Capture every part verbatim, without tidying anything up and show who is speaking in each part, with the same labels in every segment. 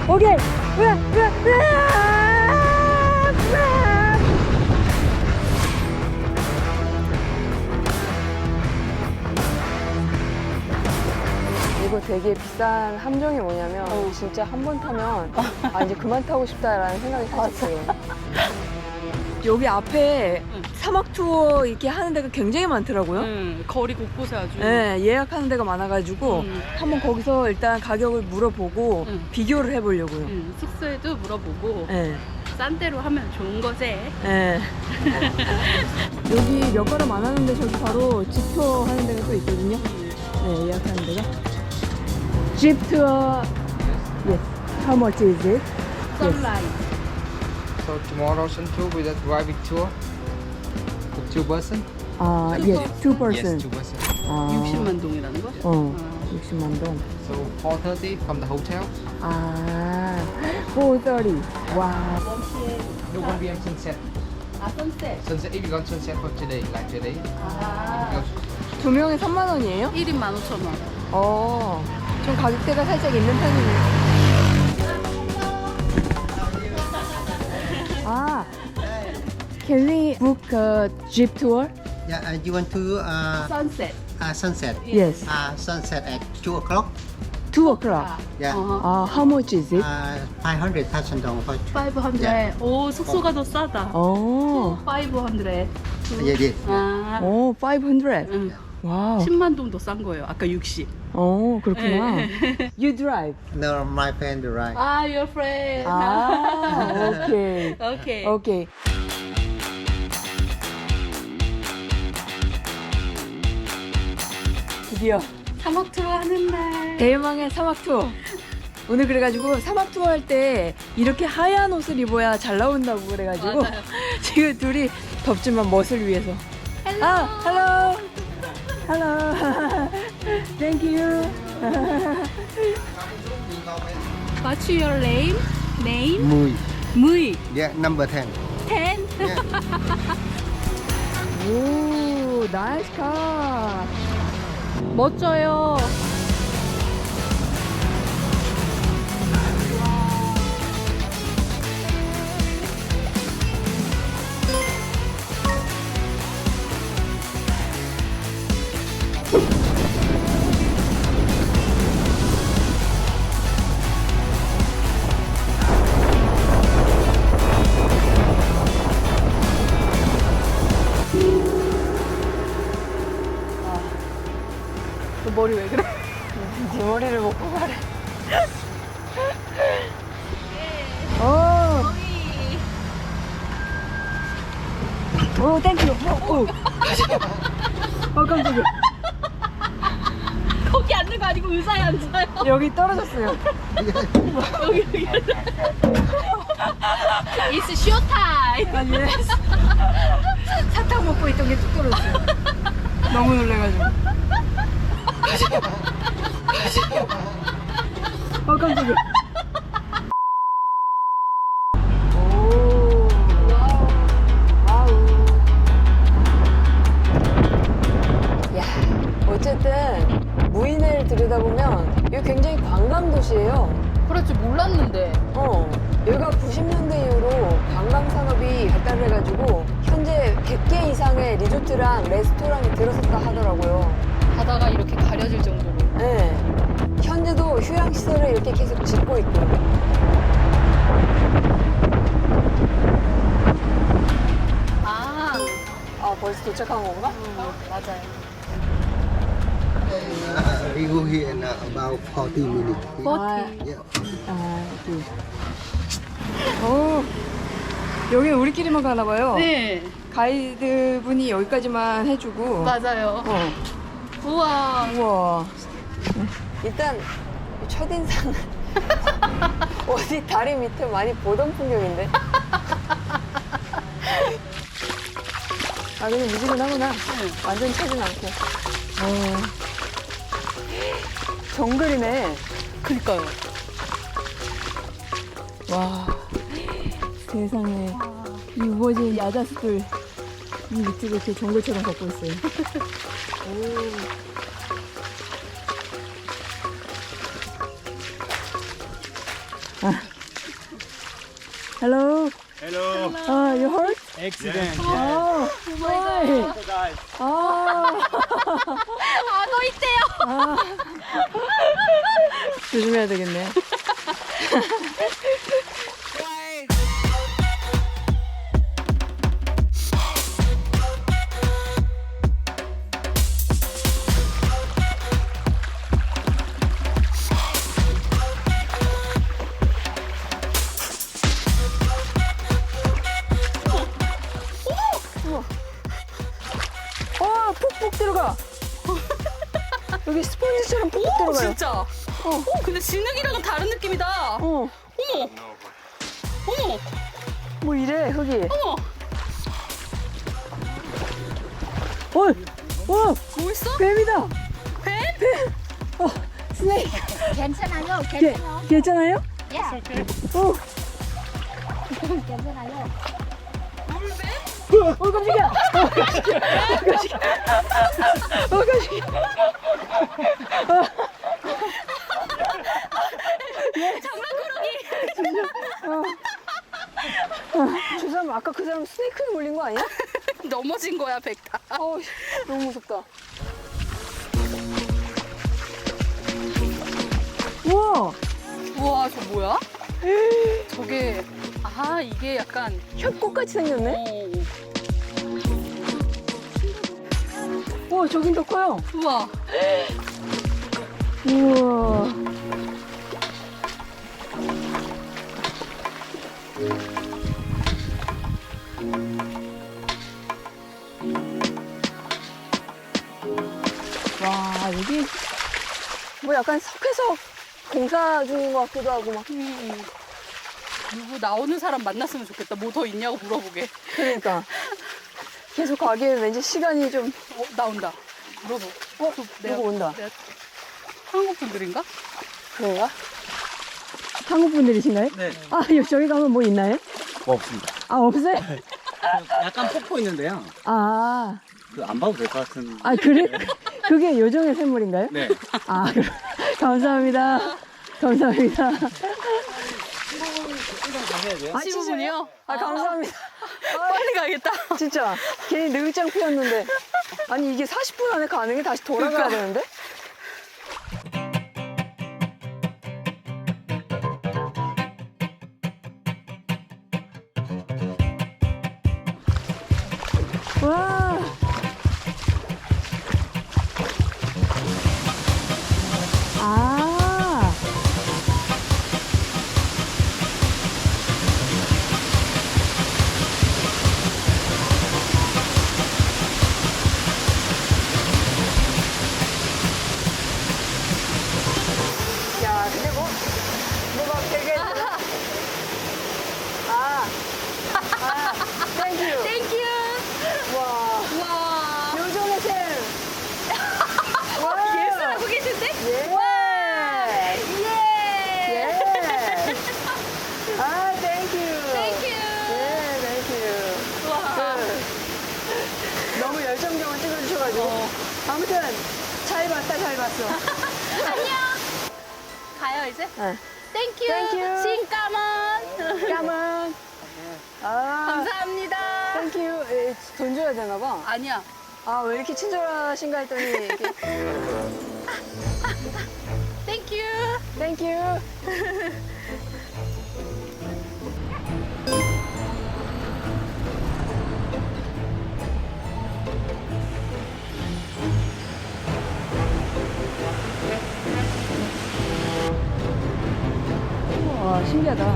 Speaker 1: 오케이. 으아, 으아, 으아, 으아. 이거 되게 비싼 함정이 뭐냐면
Speaker 2: 어.
Speaker 1: 진짜 한 번 타면 아 이제 그만 타고 싶다라는 생각이 살짝 들어요. 여기 앞에
Speaker 2: 응.
Speaker 1: 사막 투어 이렇게 하는 데가 굉장히 많더라고요.
Speaker 2: 응, 거리 곳곳에 아주.
Speaker 1: 네, 예약하는 데가 많아가지고
Speaker 2: 응.
Speaker 1: 한번 거기서 일단 가격을 물어보고
Speaker 2: 응.
Speaker 1: 비교를 해보려고요.
Speaker 2: 응, 숙소에도 물어보고
Speaker 1: 네.
Speaker 2: 싼 데로 하면 좋은 거지.
Speaker 1: 네. 여기 몇 걸음 안 하는데 저기 바로 집 투어 하는 데가 또 있거든요. 네, 예약하는 데가. 집 투어. Yes. How much is it?
Speaker 2: 썬라인.
Speaker 3: So tomorrow Sentul with a driving tour for two person.
Speaker 1: 아, yes, two
Speaker 3: Yes,
Speaker 1: person.
Speaker 3: two person.
Speaker 1: 아,
Speaker 2: 육십만 동이라는 거?
Speaker 1: 어,
Speaker 2: 아.
Speaker 1: 육십만 동.
Speaker 3: So four thirty from the hotel.
Speaker 1: 아, four thirty. 와.
Speaker 3: No one p m sunset.
Speaker 2: 아, 선셋.
Speaker 3: Sunset if you want sunset for today, like today.
Speaker 2: 아.
Speaker 1: 두 명에 삼만 원이에요?
Speaker 2: 일 인 만 오천 원.
Speaker 1: 어, 좀 가격대가 살짝 있는 편이네요. 아, can we book a jeep tour?
Speaker 4: Yeah, uh, you want to uh,
Speaker 2: 선셋.
Speaker 4: uh, sunset?
Speaker 1: Yes,
Speaker 4: Uh, sunset at two o'clock.
Speaker 1: two o'clock.
Speaker 4: Yeah.
Speaker 2: 어허.
Speaker 1: 아, how much is it?
Speaker 4: Uh, five hundred thousand dong for.
Speaker 2: 오백백. 오, 숙소가 더 싸다.
Speaker 1: 어,
Speaker 2: 오백백.
Speaker 4: Yeah, yeah.
Speaker 2: 아.
Speaker 1: 오, five hundred.
Speaker 2: 응.
Speaker 1: 와우.
Speaker 2: 십만 동도 싼 거예요. 아까 육십.
Speaker 1: 어, 그렇구나. You drive.
Speaker 4: No, my friend right.
Speaker 2: 아, your friend.
Speaker 1: 아, 오케이.
Speaker 2: 오케이.
Speaker 1: 오케이. 드디어
Speaker 2: 사막 투어 하는 날.
Speaker 1: 대망의 사막 투어. 오늘 그래가지고 사막 투어 할 때 이렇게 하얀 옷을 입어야 잘 나온다고 그래가지고
Speaker 2: 맞아요.
Speaker 1: 지금 둘이 덥지만 멋을 위해서. 아, hello, hello, thank you.
Speaker 2: What's your name? Name?
Speaker 4: Mui.
Speaker 2: 무이.
Speaker 4: Yeah, number ten.
Speaker 2: 텐.
Speaker 4: Yeah.
Speaker 1: 오, 나이스 카.
Speaker 2: 멋져요. 너 머리 왜 그래?
Speaker 1: 네 머리를 먹고 가래. 오, 오, 땡큐. 오, 오. 어, 깜짝이야.
Speaker 2: 거기 앉는 거 아니고 의자에 앉아요.
Speaker 1: 여기 떨어졌어요.
Speaker 2: 여기 여기. It's show time.
Speaker 1: 아니, 사탕 먹고 있던 게 뚝 떨어졌어요. 너무 놀래가지고. 어, 깜짝이야. 오, 와우. 야, 어쨌든 무인을 들여다보면 여기 굉장히 관광 도시예요.
Speaker 2: 그렇지 몰랐는데.
Speaker 1: 어, 여기가 구십 년대 이후로 관광 산업이 발달해가지고 현재 백 개 이상의 리조트랑 레스토랑이 들어섰다 하더라고요.
Speaker 2: 바다가 이렇게 가려질 정도로.
Speaker 1: 네. 현재도 휴양시설을 이렇게 계속 짓고 있고.
Speaker 2: 아,
Speaker 1: 아, 벌써 도착한 건가?
Speaker 2: 음, 맞아요.
Speaker 4: Uh, we go here in uh, about forty minutes.
Speaker 2: 버티.
Speaker 4: Yeah.
Speaker 1: 아, 여기. 오, 여기 우리끼리만 가나 봐요.
Speaker 2: 네,
Speaker 1: 가이드 분이 여기까지만 해주고.
Speaker 2: 맞아요.
Speaker 1: 어.
Speaker 2: 우와.
Speaker 1: 우와. 일단 첫인상은 어디 다리 밑에 많이 보던 풍경인데. 아, 근데 미지근하구나. 완전 차진 않고. 어. 정글이네.
Speaker 2: 그니까요.
Speaker 1: 와. 세상에. 이 우거진 야자수들 이 밑으로 이렇게 정글처럼 걷고 있어요. 오. 아. Hello.
Speaker 5: Hello.
Speaker 1: Uh, you hurt?
Speaker 5: Accident.
Speaker 1: Oh, why?
Speaker 5: Guys.
Speaker 1: 아,
Speaker 2: 아, 너 있대요.
Speaker 1: 아. 조심해야 되겠네. 어, 푹푹 들어가. 여기 스펀지처럼 푹푹
Speaker 2: 오,
Speaker 1: 들어가요.
Speaker 2: 진짜. 어. 오, 근데 진흙이랑은 다른 느낌이다.
Speaker 1: 어,
Speaker 2: 어머. 어머.
Speaker 1: 뭐 이래, 흙이.
Speaker 2: 어머.
Speaker 1: 어, 어,
Speaker 2: 뭐 있어?
Speaker 1: 뱀이다.
Speaker 2: 뱀?
Speaker 1: 어, 스네이크.
Speaker 6: 괜찮아요?
Speaker 1: 게,
Speaker 6: 괜찮아요?
Speaker 1: 괜찮아요?
Speaker 6: 예.
Speaker 1: 어,
Speaker 6: 괜찮아요?
Speaker 2: 물뱀?
Speaker 1: 어, 깜짝이야. 어, 깜짝이야. 어, 깜짝이야.
Speaker 2: 장난꾸러기.
Speaker 1: 저 사람 아까 그 사람 스네이크에 물린 거 아니야?
Speaker 2: 넘어진 거야, 백타.
Speaker 1: 어, 너무 무섭다. 우와,
Speaker 2: 우와, 저 뭐야? 저게, 아, 이게 약간,
Speaker 1: 협곡같이 생겼네.
Speaker 2: 어,
Speaker 1: 우와, 저긴 더 커요.
Speaker 2: 우와.
Speaker 1: 우와. 와, 여기 뭐 약간 석회석 공사 중인 것 같기도 하고 막.
Speaker 2: 음. 누구 나오는 사람 만났으면 좋겠다. 뭐 더 있냐고 물어보게.
Speaker 1: 그러니까 계속 가기엔 왠지 시간이 좀.
Speaker 2: 어, 나온다. 물어보.
Speaker 1: 어,
Speaker 2: 내가-
Speaker 1: 누구 온다.
Speaker 2: 내가 한국 분들인가?
Speaker 1: 그런가? 한국 분들이신가요?
Speaker 5: 네.
Speaker 1: 아, 여기 저기 가면 뭐 있나요?
Speaker 5: 뭐 없습니다.
Speaker 1: 아, 없어요?
Speaker 5: 약간 폭포 있는데요.
Speaker 1: 아,
Speaker 5: 그 안 봐도 될 것 같은.
Speaker 1: 아 그래? 그게 요정의 샘물인가요?
Speaker 5: 네.
Speaker 1: 아, 그럼 감사합니다. 감사합니다.
Speaker 5: 가셔야 돼요.
Speaker 1: 아,
Speaker 2: 십오 분이요?
Speaker 1: 아, 감사합니다.
Speaker 2: 빨리 가야겠다.
Speaker 1: 진짜 괜히 늙장 피웠는데. 아니 이게 사십 분 안에 가능해? 다시 돌아가야
Speaker 2: 그러니까.
Speaker 1: 되는데? 와. 아. 야, 근데 뭐, 뭐가 되게. 아. 아, 땡큐.
Speaker 2: 땡큐.
Speaker 1: 와.
Speaker 2: 와.
Speaker 1: 요정의 샘. 와.
Speaker 2: 예술하고 계신데?
Speaker 1: 예.
Speaker 2: 예.
Speaker 1: 예. 아, 땡큐.
Speaker 2: 땡큐.
Speaker 1: 예, 땡큐.
Speaker 2: 와.
Speaker 1: 그, 너무 열정적으로 찍어주셔가지고.
Speaker 2: 어.
Speaker 1: 아무튼, 잘 봤다, 잘 봤어.
Speaker 2: 안녕. 가요 이제?
Speaker 1: 네.
Speaker 2: 땡큐.
Speaker 1: 땡큐.
Speaker 2: 신까만.
Speaker 1: 까만. 아,
Speaker 2: 감사합니다.
Speaker 1: 땡큐. 에, 돈 줘야 되나봐.
Speaker 2: 아니야.
Speaker 1: 아, 왜 이렇게 친절하신가 했더니, 이렇게.
Speaker 2: 땡큐.
Speaker 1: 땡큐. 와, 신기하다.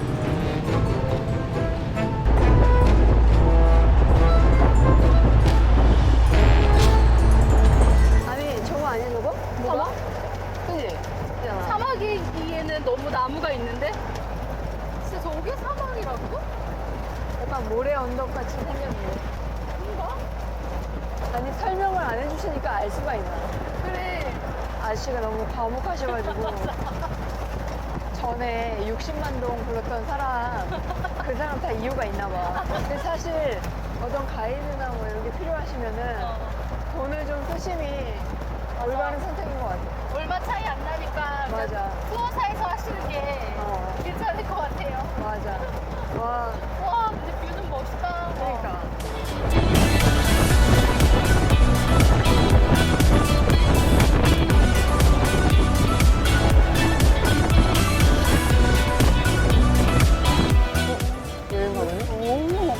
Speaker 1: 아니, 저거 아니야, 저거?
Speaker 2: 사막?
Speaker 1: 그지? 있잖아.
Speaker 2: 사막이기에는 너무 나무가 있는데? 진짜 저게 사막이라고?
Speaker 1: 약간 모래 언덕 같이 생겼네.
Speaker 2: 뭔가?
Speaker 1: 아니, 설명을 안 해주시니까 알 수가 있나.
Speaker 2: 그래.
Speaker 1: 아저씨가 너무 과묵하셔가지고. 전에 육십만 동 불렀던 사람, 그 사람 다 이유가 있나 봐. 근데 사실 어떤 가이드나 뭐 이런 게 필요하시면은 돈을 좀 쓰심이 올바른 선택인 것 같아.
Speaker 2: 얼마 차이 안 나니까
Speaker 1: 맞아.
Speaker 2: 투어사에서 하시는 게
Speaker 1: 어,
Speaker 2: 괜찮을 것 같아요.
Speaker 1: 맞아. 와,
Speaker 2: 와, 근데 뷰는 멋있다.
Speaker 1: 그러니까. 여행 가보네?
Speaker 2: 오.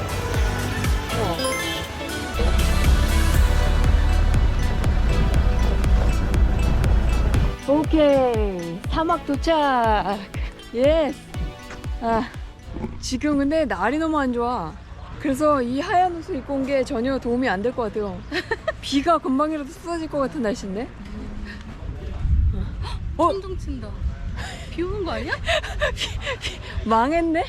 Speaker 1: 오케이, 사막 도착. 예스. 아, 지금 근데 날이 너무 안 좋아. 그래서 이 하얀 옷을 입고 온 게 전혀 도움이 안 될 것 같아요. 비가 금방이라도 쏟아질 것 같은 날씨인데. 어?
Speaker 2: 천둥 친다. 비 오는 거 아니야?
Speaker 1: 망했네.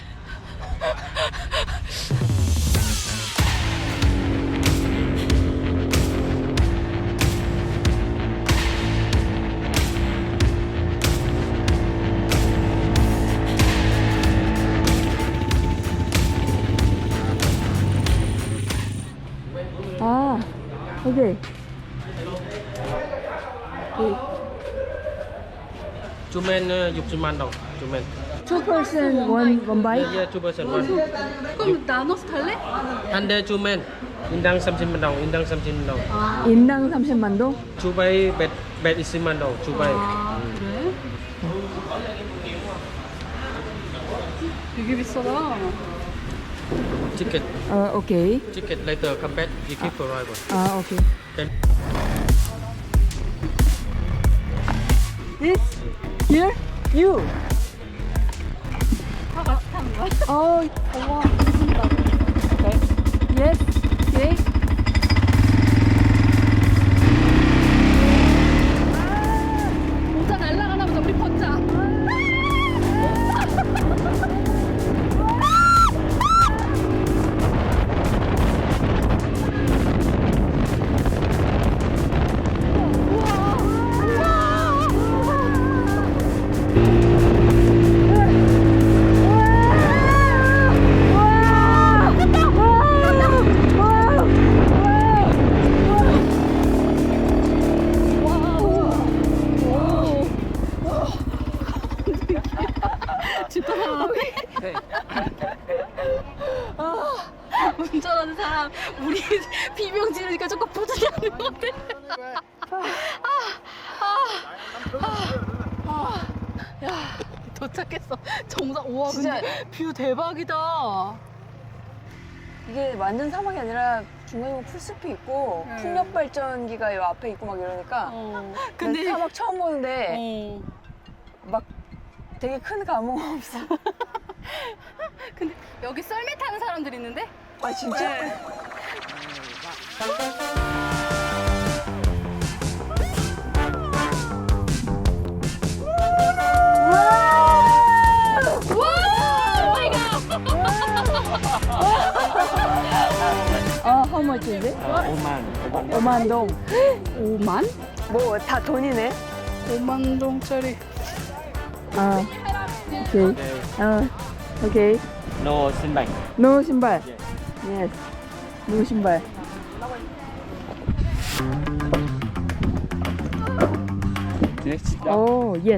Speaker 1: 아, 오케이. 오케이.
Speaker 6: Two men uh, 육십만 동. Two men.
Speaker 1: Two person, one one bike.
Speaker 6: Yeah, yeah, two person one.
Speaker 2: 그럼 나눠서 탈래?
Speaker 6: One day two men. 인당 삼십만 동. 인당 삼십만 동.
Speaker 1: 인당 삼십만 동?
Speaker 6: Two bay bed bed 이십만 동. Two bay.
Speaker 2: 아, 그래? 되게 비싸다.
Speaker 6: Ticket.
Speaker 1: 어, 오케이.
Speaker 6: Ticket later come back. You keep for arrival.
Speaker 1: 아, 오케이.
Speaker 6: Then
Speaker 1: This? Here? You?
Speaker 2: 다 같이 타는 거야?
Speaker 1: 어,
Speaker 2: 우와, 무슨다.
Speaker 1: okay. Yes. Okay.
Speaker 2: 모자 날라가나 보다. 우리 벗자. 진짜 운전하는 사람 우리 비명 지르니까 조금 부지런히 하는 것 같아. 야, 도착했어. 정상. 우와,
Speaker 1: 진짜.
Speaker 2: 근데 뷰 대박이다.
Speaker 1: 이게 완전 사막이 아니라 중간에 보면 풀숲이 있고
Speaker 2: 네.
Speaker 1: 풍력 발전기가 요 앞에 있고 막 이러니까
Speaker 2: 어.
Speaker 1: 근데
Speaker 2: 근데
Speaker 1: 사막 처음 보는데
Speaker 2: 어.
Speaker 1: 막 되게 큰 감흥 없어.
Speaker 2: 근데 여기 썰매 타는 사람들 있는데?
Speaker 1: 아 진짜?
Speaker 2: 네.
Speaker 1: 아, how much is it?
Speaker 6: 오만.
Speaker 1: 오만 동.
Speaker 2: 오만?
Speaker 1: 뭐 다 돈이네.
Speaker 2: 오만 동짜리.
Speaker 1: 아, 오케이. 아, 오케이.
Speaker 6: No 신발.
Speaker 1: 노 신발. Yes. 노 신발.
Speaker 6: Next.
Speaker 1: 오, yes.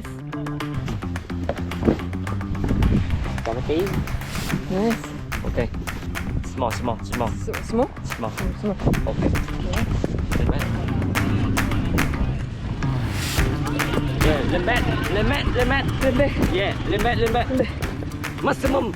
Speaker 6: Come again.
Speaker 1: Yes.
Speaker 6: Okay. Small, small, small,
Speaker 1: Small?
Speaker 6: small.
Speaker 1: Small.
Speaker 6: Okay. Lên mét. Yeah, lên mét, lên mét, lên mét.
Speaker 1: 근데
Speaker 6: Yeah, lên mét, lên mét.
Speaker 1: 근데
Speaker 6: Maximum.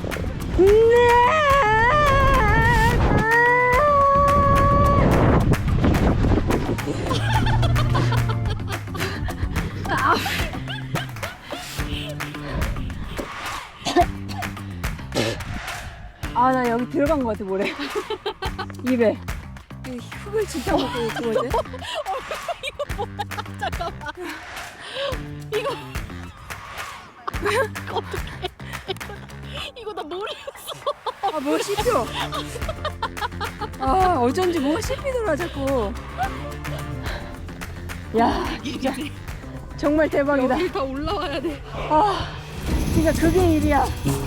Speaker 1: 아, 나 여기 들어간 것 같아, 모래. 입에. 이 흙을 진짜 먹고 그거지?
Speaker 2: 잠깐만. 이거 어떡해. 이거 나 모르겠어.
Speaker 1: 아, 뭐 씹혀. 아, 어쩐지 뭐가 씹히더라, 자꾸. 야, 진짜. 정말 대박이다.
Speaker 2: 여기 다 올라와야 돼.
Speaker 1: 아, 진짜 그게 일이야.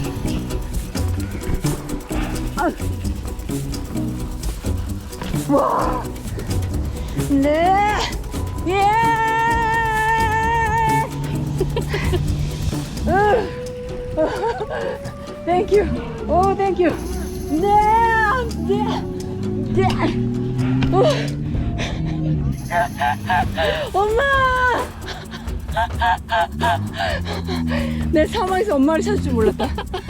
Speaker 1: 아. 와. 네. 예. 으. Thank you. Oh, thank you. 네, 네, 네. 어. 엄마! 내 사막에서 엄마를 찾을 줄 몰랐다.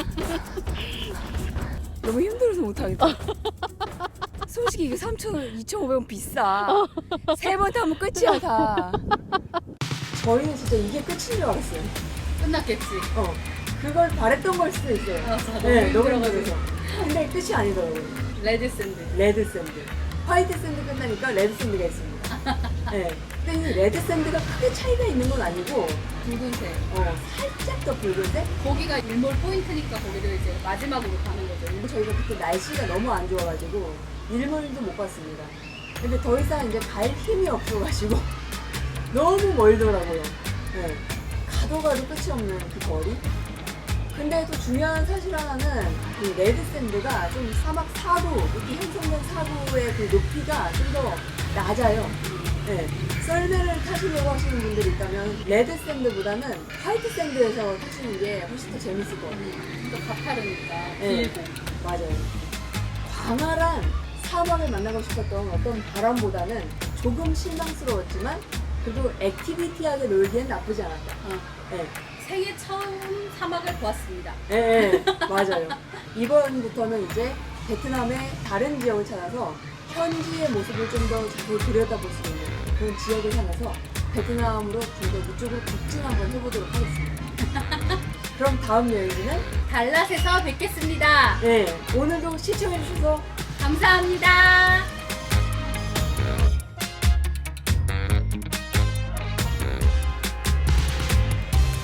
Speaker 1: 너무 힘들어서 못하겠다. 솔직히 이게 삼천 원, 이천오백 원 비싸. 세 번 타면 끝이야, 다. 저희는 진짜 이게 끝인 줄 알았어요.
Speaker 2: 끝났겠지.
Speaker 1: 어. 그걸 바랬던 걸 수도 있어요.
Speaker 2: 맞아,
Speaker 1: 네,
Speaker 2: 너무
Speaker 1: 너무
Speaker 2: 힘들어가지고.
Speaker 1: 힘들어서. 근데 끝이 아니더라고요.
Speaker 2: 레드 샌드.
Speaker 1: 레드 샌드. 화이트 샌드 끝나니까 레드 샌드가 있습니다. 네. 근데 이 레드 샌드가 크게 차이가 있는 건 아니고,
Speaker 2: 붉은색.
Speaker 1: 어, 살짝 더 붉은데?
Speaker 2: 거기가 일몰 포인트니까 거기를 이제 마지막으로 가는 거죠.
Speaker 1: 저희가 그때 날씨가 너무 안 좋아가지고 일몰도 못 봤습니다. 근데 더 이상 이제 갈 힘이 없어가지고 너무 멀더라고요. 네. 가도 가도 끝이 없는 그 거리. 근데 또 중요한 사실 하나는 그 레드 샌드가 좀 사막 사구, 이렇게 형성된 사구의 그 높이가 좀 더 낮아요. 네. 썰매를 타시려고 하시는 분들이 있다면 레드 샌드보다는 화이트 샌드에서 타시는 게 훨씬 더 재밌을 것 같아요.
Speaker 2: 또 가파르니까.
Speaker 1: 네.
Speaker 2: 길고.
Speaker 1: 맞아요. 광활한 사막을 만나고 싶었던 어떤 바람보다는 조금 실망스러웠지만 그래도 액티비티하게 놀기엔 나쁘지 않았다.
Speaker 2: 어.
Speaker 1: 네.
Speaker 2: 생애 처음 사막을 보았습니다.
Speaker 1: 네, 네, 맞아요. 이번부터는 이제 베트남의 다른 지역을 찾아서 현지의 모습을 좀 더 자세히 들여다볼 수 있는 그런 지역을 향해서 베트남으로 좀 더 이쪽으로 북진 한번 해보도록 하겠습니다. 그럼 다음 여행지는
Speaker 2: 달랏에서 뵙겠습니다.
Speaker 1: 네, 오늘도 시청해주셔서
Speaker 2: 감사합니다.